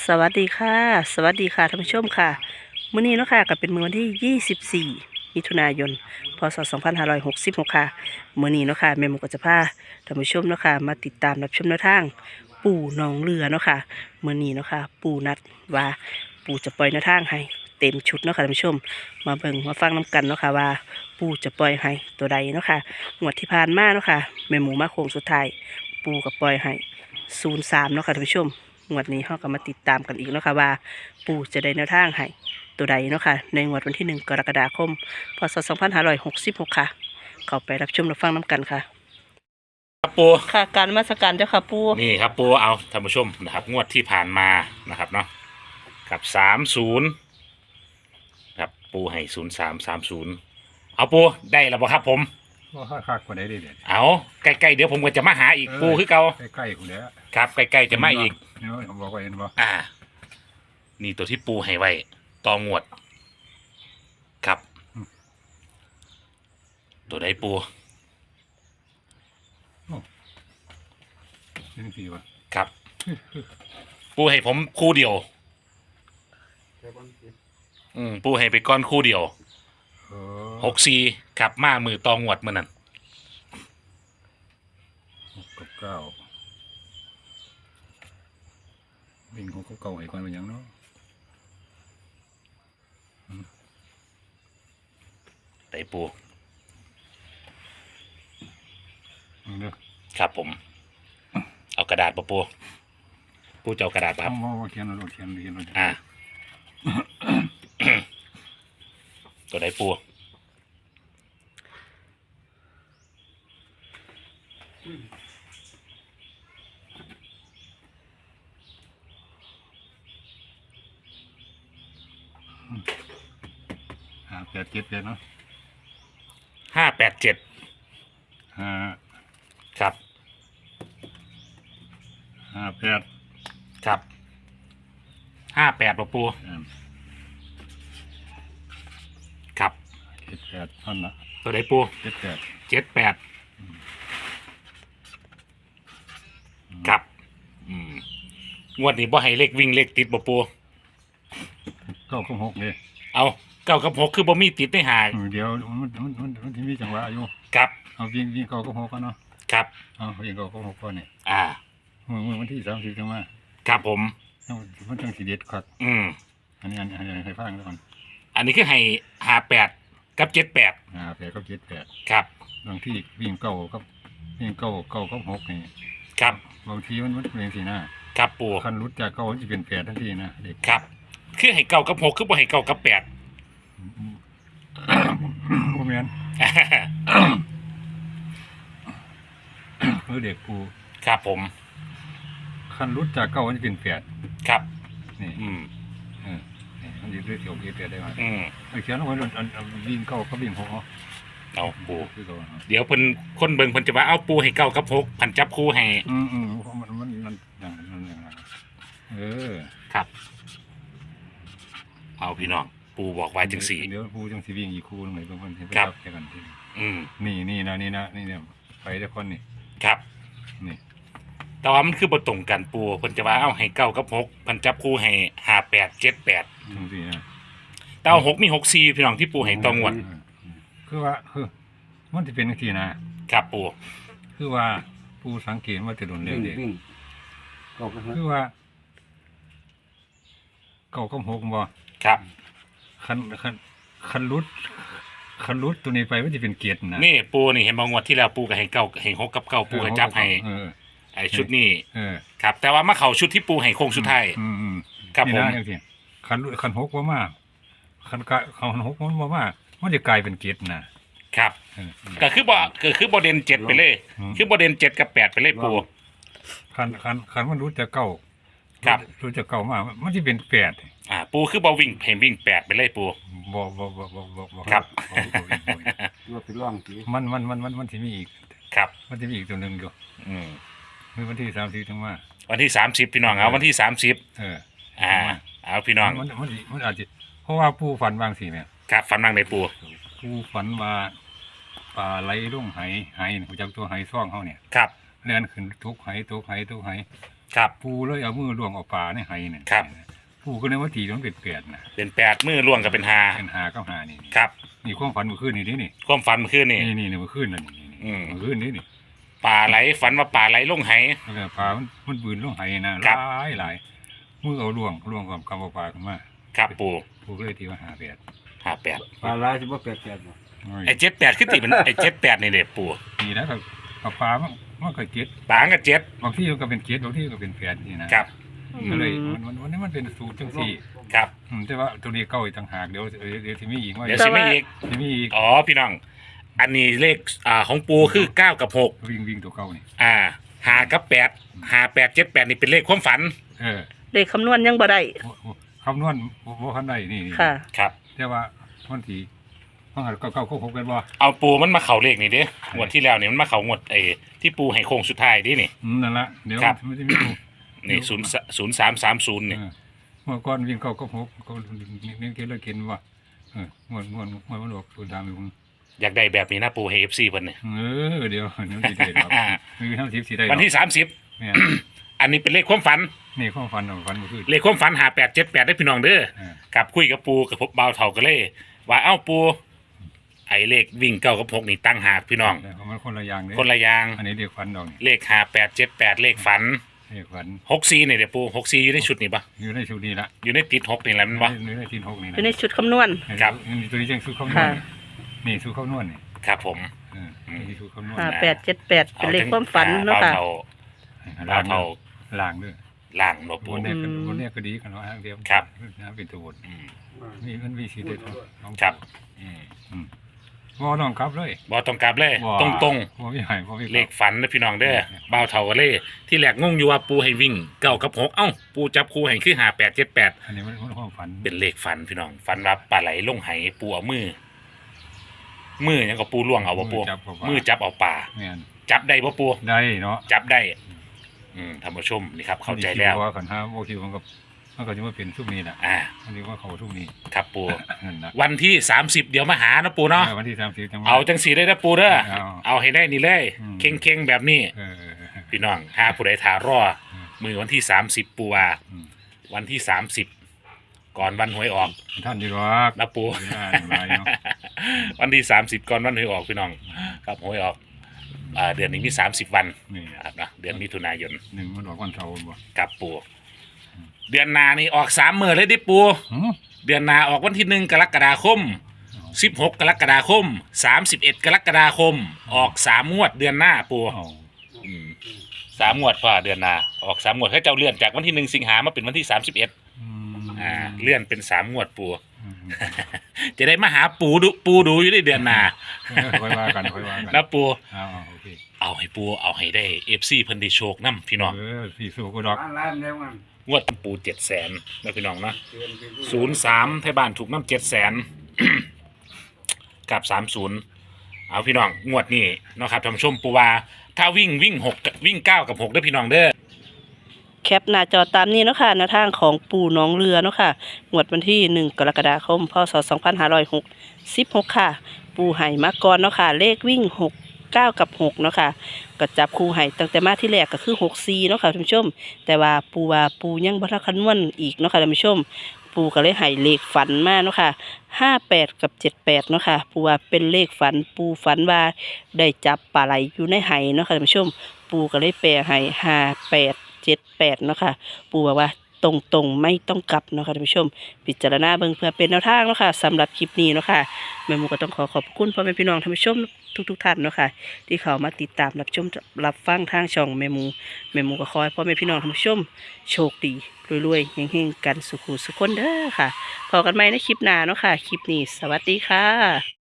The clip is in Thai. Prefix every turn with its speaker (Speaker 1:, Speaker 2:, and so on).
Speaker 1: สวัสดีค่ะสวัสดีค่ะท่านผู้ชมค่ะมื้อนี้เนาะค่ะก็เป็นมื้อวันที่24มิถุนายนพศ2566ค่ะมื้อนี้เนาะค่ะแม่หมูก็จะพาท่านผู้ชมเนาะค่ะมาติดตามรับชมแนวทางปู่หนองเรือเนาะค่ะมื้อนี้เนาะค่ะปู่นัดว่าปู่จะปล่อยแนวทางให้เต็มชุดเนาะค่ะท่านผู้ชมมาเบิ่งมาฟังน้กันเนาะค่ะว่าปู่จะปล่อยให้ตัวใดเนาะค่ะงวดที่ผ่านมาเนาะค่ะแม่หมูมาโค้งสุดท้ายปู่ก็ปล่อยให้03เนาะค่ะท่านผู้ชม งวดนี้เราก็มาติดตามกันอีกเนาะค่ะว่าปู่จะได้แนวทางให้ตัวใดเนาะค่ะในงวดวันที่1 กรกฎาคมพศ2566ค่ะเข้าไปรับชมรับฟังน้ำกันค่ะ
Speaker 2: ครับปู
Speaker 1: ค่ะการนมาสการเจ้าค่ะปู่
Speaker 2: นี่ครับปูเอาท่านผู้ชมนะครับงวดที่ผ่านมานะครับเนาะกับ30ครับปูให้0330เอาปูได้แล้วบ่ครับผม
Speaker 3: ว่าคักกว่าได้เด็ด
Speaker 2: เอาใกล้ๆเดี๋ยวผมก็จะมาหาอีกปูคือเก่า
Speaker 3: ใกล้ๆกูแล้ว
Speaker 2: ครับใกล้ๆจะมาอีก
Speaker 3: นี่ว่าผมบอกว่าเห็นบ่
Speaker 2: นี่ตัวที่ปูให้ไว้ต่องวดครับตัวใดปู
Speaker 3: นี่สิวะ
Speaker 2: ครับปูให้ผมคู่เดียวปูให้ไปก้อนคู่เดียว64ครับมามือต่องวดมื้อนั้น
Speaker 3: 6 กับ 9วิ่ง6 กับ 9ให้ก่อนเป็นหยังเนาะ
Speaker 2: ไต่ปู
Speaker 3: เด้อ
Speaker 2: ครับผมเอากระดาษปูจะเอากระดาษครับ
Speaker 3: เขียนเอาเขียน
Speaker 2: ตัวไหนปู
Speaker 3: 8 7เนาะ
Speaker 2: 587ครับ
Speaker 3: 58
Speaker 2: ครับ58ปูครับ
Speaker 3: 78ท่านละ
Speaker 2: ตัวไหนปู78ครับงวดนี้บ่ให้เลขวิ่งเลขติดปู
Speaker 3: 9 กับ 6เลย
Speaker 2: เอา9 กับ 6คือบ่มีติดในหาง
Speaker 3: เดี๋ยวมันที่มีจังหวะอยู่
Speaker 2: ครับ
Speaker 3: เอาวิ่ง9 กับ 6กันเนาะ
Speaker 2: ครับ
Speaker 3: เอาวิ่ง9 กับ 6ก่อนนี่วันที่30จังว่า
Speaker 2: ครับผม
Speaker 3: มันจังสิเด็ดครับอันนี้ให้ฟังก่อน
Speaker 2: อันนี้คือให้58กับ78
Speaker 3: 58กับ78
Speaker 2: ครับ
Speaker 3: บางที่วิ่ง9กับ6นี่
Speaker 2: ครับ
Speaker 3: บางทีมันเป็นสินะครับ
Speaker 2: ปู่
Speaker 3: คันรุดจาก9มันสิเป็น8ทันทีนะเด็ก
Speaker 2: ครับคือให้9 กับ 6คือบ่ให้9 กับ 8
Speaker 3: บ่แม่นเด็กปู่
Speaker 2: ครับผม
Speaker 3: คันรุดจาก9มันสิเป็น8
Speaker 2: ครับ
Speaker 3: นี่มันสิเกี่ยว8ได้มั้ยเขียนเอาไว้วิ่ง9กับวิ่ง6
Speaker 2: เอาปู่เดี๋ยวเพิ่นคนเบิ่งเพิ่นจะว่าเอาปู่ให้9 กับ 6พันจับคู่ให้
Speaker 3: มัน
Speaker 2: ครับเอาพี่น้องปู่บอกไว้จังซี่
Speaker 3: เดี๋ยวปู่จังสิวิ่งอีกคู่นึงให้เพิ่นให้ไปรับแค่กันทีนี่นะนี่เนี่ยไปได้คนนี่
Speaker 2: ครับ
Speaker 3: นี่
Speaker 2: แต่ว่ามันคือบ่ตรงกันปู่เพิ่นจะว่าเอาให้9 กับ 6พันจับคู่ให้58 78
Speaker 3: จังซี่นะ
Speaker 2: แต่เอา6มี64พี่น้องที่ปู่ให้ตองวด
Speaker 3: คือว่ามันสิเป็นจังซี่นะครับ
Speaker 2: ปู่
Speaker 3: คือว่าปู่สังเกตว่าจะโดนเร็วเด้คือว่า9 กับ 6บ่
Speaker 2: ครับ
Speaker 3: คันรุดตัวนี้ไปมันจะเป็นเกียรตินะ
Speaker 2: นี่ปูนี่เห็นบางงวดที่แล้วปูก็ให้9ให้6 กับ 9ปูก็จับให้ไอ้ชุดนี้ครับแต่ว่ามาเข้าชุดที่ปูให้โค้งสุดท้ายครับผม
Speaker 3: คัน6บ่มาคัน6มันบ่มามันจะกลายเป็นเกียรติ
Speaker 2: นะครับก็คือบ่เด่น7ไปเลยคือบ่เด่น7 กับ 8ไปเลยปู
Speaker 3: คันมันรู้จะ9
Speaker 2: ครับ
Speaker 3: รู้จะ9มามันสิเป็น8
Speaker 2: ปูคือบ่วิ่งเห็นวิ่ง8ไปเลยปู
Speaker 3: บ่
Speaker 2: ครับ
Speaker 3: ว่าเป็นร่องสิมันสิมีอีก
Speaker 2: ครับ
Speaker 3: มันสิมีอีกตัวนึงอยู่มื้อวันที่30ถึงมา
Speaker 2: วันที่30พี่น้องเอาวันที่30เอาพี่น้อง
Speaker 3: มันอาจจะเพราะว่าปู่ฝันบางสิแม่
Speaker 2: ครับฝันบางในปู่
Speaker 3: ฝันว่าปลาไหลลงไหรู้จักตัวไหซ่องเฮาเนี่ย
Speaker 2: ครับ
Speaker 3: เลื่อนขึ้นทุกไห
Speaker 2: ครับ
Speaker 3: ปูเลยเอามือล้วงเอาปลาในไหเนี่ย
Speaker 2: ครับ
Speaker 3: ปูก็เลยว่าตีต้องเป็นแปดนะ
Speaker 2: เป็น8มือล่วงกับเป็น5
Speaker 3: เป็นหาก็หานี่
Speaker 2: ครับ
Speaker 3: นี่ความฝันเมื่อคืนนี่นี่
Speaker 2: ความฝันเมื่อคืนนี่
Speaker 3: นี่เมื่อคืนนั่นนี่
Speaker 2: อืม
Speaker 3: เมื่อคืนนี่
Speaker 2: ปลาไหลฝันว่าปลาไหลลงไห
Speaker 3: แล้วก็ปลามันบืนลงไหนะ
Speaker 2: ครับ
Speaker 3: หลายมือเอาล้วงกับกำเอาปลาขึ้นมา
Speaker 2: ครับปู
Speaker 3: ปูก็เลยตีว่าหาแปด
Speaker 2: 58
Speaker 4: ปลาร้ายสิบ่แปดบ่
Speaker 2: ไอ้78คือติเป็นไอ้78นี่เด้ปู
Speaker 3: นี่แล้วกับปลามันก็เจ็ด
Speaker 2: ปลาก็7
Speaker 3: บางที่ก็เป็นเจ็ดบางที่ก็เป็นแปดนี่นะครับ ก็เลยวันนี้มันเป็นสูตรจังสี่
Speaker 2: ครับ
Speaker 3: แต่ว่าตัวนี้เก้าอีกต่างหากเดี๋ยวที่มีอีกว่า
Speaker 2: เดี๋ยวสิไม่อีก
Speaker 3: ที่มีอีก
Speaker 2: อ๋อพี่น้อง อันนี้เลขของปูคือ9กับ6
Speaker 3: วิ่งตัวเก้านี่
Speaker 2: 5กับ8 58 78นี่เป็นเลขความฝัน
Speaker 1: เลขคำนวณยังบ่ได้
Speaker 3: คำนวณว่าคันใดนี่
Speaker 1: ค่ะ
Speaker 2: ครับ
Speaker 3: แต่ว่าวันที่ว่าเก้าหกกันบ่
Speaker 2: เอาปูมันมาเข่าเลขนี่เด้งวดที่แล้วนี่มันมาเข่างวดที่ปูให้โค้งสุดท้ายดินี่
Speaker 3: นั่นละเดี๋ยว
Speaker 2: ครับ
Speaker 3: มันจะมี
Speaker 2: นี่0330นี่
Speaker 3: เมื่อก่อนวิ่งเก้าหกก็นี่เกลือกินว่างวดมันออกสูตรตามอยู่
Speaker 2: อยากได้แบบนี้นะปูให้ FC เพิ่นนี่
Speaker 3: เดี๋ยวสิได้ครับมีทั้งสิบสิได้
Speaker 2: วันที่
Speaker 3: เนี่ย
Speaker 2: 30 อันนี้เป็นเลขความฝัน
Speaker 3: นี่ความฝันของฝันเมื่อคืน
Speaker 2: เลขความฝัน5878ได้พี่น้องเด้อกับคุยกับปูกับพบเบาเท่ากันเลย ว่าเอ้าปูไอ้เลขวิ่ง9กับ6นี่ตั้งหากพี่น้อง
Speaker 3: แต่มันคนละอย่างเลย
Speaker 2: คนละอย่าง
Speaker 3: อันนี้เรียกฝันดอก
Speaker 2: เลข5878เลขฝัน
Speaker 3: เรียกฝัน
Speaker 2: 64นี่เด้อปู64อยู่ในชุดนี่ปะ
Speaker 3: อยู่ในชุดนี้ละ
Speaker 2: อยู่ในติด6นี่แหละมันปะ
Speaker 3: อยู่ในทีนหกนี่
Speaker 1: อยู่ในชุดคำนวณ
Speaker 2: ครับ
Speaker 3: นี่ตัวนี้ยังสู้ข้าวนว
Speaker 1: ค่ะ
Speaker 3: ดนี่สู้ข้าวนวดนี่
Speaker 2: ครับผม
Speaker 3: นี่สู้ข้าวนวด
Speaker 1: 5878เป็นเลขความฝันเนาะค่ะ
Speaker 2: เบา
Speaker 3: ล่าง
Speaker 2: เท่า
Speaker 3: ล่างด้วย
Speaker 2: ล่างเนาะปู
Speaker 3: บนเนี้ยก็
Speaker 1: อืม
Speaker 3: บนเนี้ยก็ดีกันเนาะเดียว
Speaker 2: ครับ
Speaker 3: นะเป็นตัวบน
Speaker 2: อืม
Speaker 3: นี่มันมีสีเด็ดของ
Speaker 2: ครับอืม
Speaker 3: บ่ต้องกลับเลย
Speaker 2: บ่ต้องกลับเลย
Speaker 3: บ่
Speaker 2: ตรง
Speaker 3: บ่มีให้บ่มี
Speaker 2: ๆเลขฝันนะพี่น้องเด้อเบาเท่ากันเลย ที่แรกงงอยู่ว่าปูให้วิ่ง9กับ6เอ้าปูจับคู่ให้คือ5878
Speaker 3: อันนี้มันความฝัน
Speaker 2: เป็นเลขฝันพี่น้องฝันว่าปลาไหลลงไหปูเอามือหยังก็ปูล่วงเอาบ่ปู
Speaker 3: จับเข้าไป
Speaker 2: มือจับเอาปลา
Speaker 3: แม่น
Speaker 2: จับได้บ่ปู
Speaker 3: ได้เนาะ
Speaker 2: จับได้ท่านผู้ชมนี่ครับเข้าใจแล้ว
Speaker 3: ว่ากันห้าบ่คิวมันก็จะมาเป็นทุกนี้น่ะ อันนี้ว่าเขาทุกนี้
Speaker 2: ครับปู
Speaker 3: นั่นนะ
Speaker 2: วันที่30เดี๋ยวมาหานะปูเนาะ
Speaker 3: วันที่30จังหวะ
Speaker 2: เอาจังสีได้นะปูเด้อ
Speaker 3: เอา
Speaker 2: เอาให้ได้นี่เลย
Speaker 3: อืม
Speaker 2: เข่งๆแบบนี้
Speaker 3: เออ
Speaker 2: พี่น้องหาผู้ใดถารอมือวันที่30ปูว่า
Speaker 3: อืม
Speaker 2: วันที่30ก่อนวันหวยออก
Speaker 3: ท่านดีหรอก
Speaker 2: นะปู
Speaker 3: ได้หลายเนาะ
Speaker 2: วันที่30ก่อนวันหวยออกพี่น้องครับหวยออกเดือนนี้มี30วัน
Speaker 3: นี่
Speaker 2: ครับนะเดือนมิถุนายน
Speaker 3: หนึ่งมันออกวันเสาร์บ่
Speaker 2: กับปูเดือนหนานี่ออก3มื้อเลยดิปู
Speaker 3: หือ
Speaker 2: เดือนหนาออกวันที่1กรกฎาคม16กรกฎาคม31กรกฎาคมออก3งวดเดือนหน้าปู
Speaker 3: เอา
Speaker 2: 3งวดฝ่าเดือนหนาออก3งวดให้เจ้าเลื่อนจากวันที่1สิงหามาเป็นวันที่31เลื่อนเป็น3งวดปู จะได้มาหาปูดูอยู่ในเดือนหนา
Speaker 3: ค่อยว่ากัน
Speaker 2: นะปู
Speaker 3: โอเค
Speaker 2: เอาให้ปูเอาให้ได้ FC เพิ่นได้โชคนำพี่น้อง
Speaker 3: พี่สู้ก็ดอก
Speaker 4: ปลาร้ายมันเร็วมัน
Speaker 2: งวดปู700,000นะพี่น้องเนาะ
Speaker 4: เตือนไปด้วย
Speaker 2: 03ไทยบ้านถูกน้ำ700,000 กับ30เอาพี่น้องงวดนี้เนาะครับท่านผู้ชมปูว่าถ้าวิ่งวิ่ง9กับ6เด้อพี่น้องเด้อ
Speaker 1: แคปหน้าจอตามนี้เนาะค่ะแนวทางของปู่น้องเรือเนาะค่ะงวดวันที่1กรกฎาคมพศ2566ค่ะ ปู่ไห่มาก่อนเนาะค่ะเลขวิ่ง9กับ6เนาะค่ะก็จับคู่ไห่ตั้งแต่มาที่แรกก็คือ64เนาะค่ะท่านผู้ชม แต่ว่าปู่ยังบ่ทันคำนวณอีกเนาะค่ะท่านผู้ชม ปู่ก็เลยไห่เลขฝันมาเนาะค่ะ58กับ78เนาะค่ะปู่ว่าเป็นเลขฝันปู่ฝันว่าได้จับปลาไหลอยู่ในไห่เนาะค่ะท่านผู้ชม ปู่ก็เลยแปลให้5878เนาะค่ะปู่บอกว่าตรงไม่ต้องกลับเนาะค่ะท่านผู้ชม พิจารณาเบิ่งเพื่อเป็นแนวทางเนาะค่ะสำหรับคลิปนี้เนาะค่ะแม่หมูก็ต้องขอบคุณพ่อแม่พี่น้องท่านผู้ชมทุกท่านเนาะค่ะที่เข้ามาติดตามรับชมรับฟังทางช่องแม่หมูก็ขอให้พ่อแม่พี่น้องท่านผู้ชมโชคดีรวยๆเฮงๆกันสุขุสุขคนเด้อค่ะพบกันใหม่ในคลิปหน้าเนาะค่ะคลิปนี้สวัสดีค่ะ